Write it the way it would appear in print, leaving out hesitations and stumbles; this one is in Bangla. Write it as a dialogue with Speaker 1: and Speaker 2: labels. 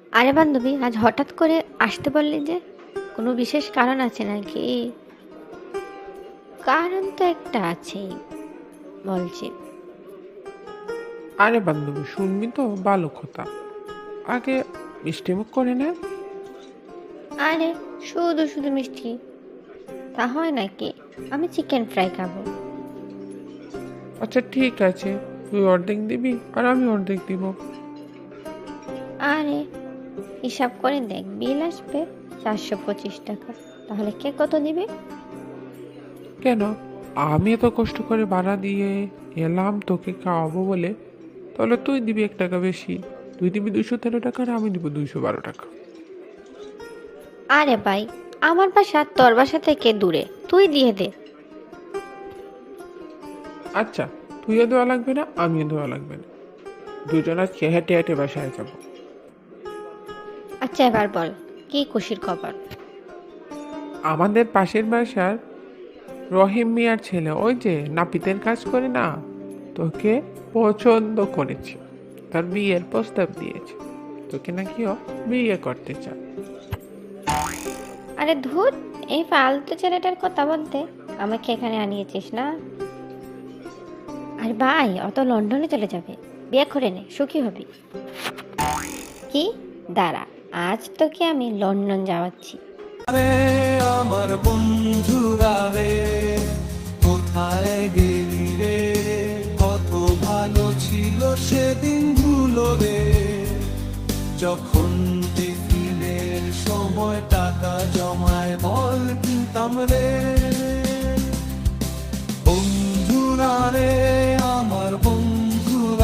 Speaker 1: আরে বান্ধবী, আজ হঠাৎ করে আসতে বললি যে? কোনো বিশেষ কারণ আছে নাকি? কারণ তো একটা আছেই, বলছি।
Speaker 2: আরে বান্ধবী, শুনবি তো ভালো কথা। আগে মিষ্টিমুখ করে নে।
Speaker 1: আরে, শুধু শুধু মিষ্টি তা হয় নাকি? আমি চিকেন ফ্রাই খাবো।
Speaker 2: আচ্ছা ঠিক আছে, তুই অর্ধেক দিবি আর আমি অর্ধেক দিব।
Speaker 1: আরে, হিসাব করে দেখ, বিল আসবে 425 টাকা। তাহলে কে কত দিবে?
Speaker 2: কেন? আমি এত কষ্ট করে ভাড়া দিয়ে এলাম তোকে খাওয়াবো বলে, তাহলে তুই দিবি 1 টাকা বেশি। তুই দিবি 213 টাকা আর আমি দিব 212 টাকা।
Speaker 1: আরে ভাই, আমার বাসা তোর বাসা থেকে দূরে, তুই দিয়ে দে।
Speaker 2: আচ্ছা, তুইও দেওয়া লাগবে না, আমিও দেওয়া লাগবে না। দুজন আজকে হেঁটে হেঁটে বাসায় যাবো।
Speaker 1: আচ্ছা, এবার বল, কি খুশির খবর?
Speaker 2: আমাদের পাশের বাসার রহিম মিয়ার ছেলে, ওই যে নাপিতের কাজ করে না, তোকে পছন্দ করেছে। তার বিয়ের প্রস্তাব দিয়েছে। তোকে নাকি ও বিয়ে করতে চায়।
Speaker 1: আরে ধুর, এই ফালতু ছেলেটার কথা বলতে আমাকে এখানে আনিয়েছিস না? আর ভাই, অত লন্ডনে চলে যাবে? বিয়ে করে নে, সুখী হবি। কি? দাঁড়া, আজ তোকে আমি লন্ডন যাওয়াচ্ছি।
Speaker 3: আরে আমার বন্ধুরা রে, কোথায় গেলি রে? কত ভালো ছিল সেদিনগুলো রে, যখন টিফিনের সময় টাকা জমায় বল কিনতাম রে।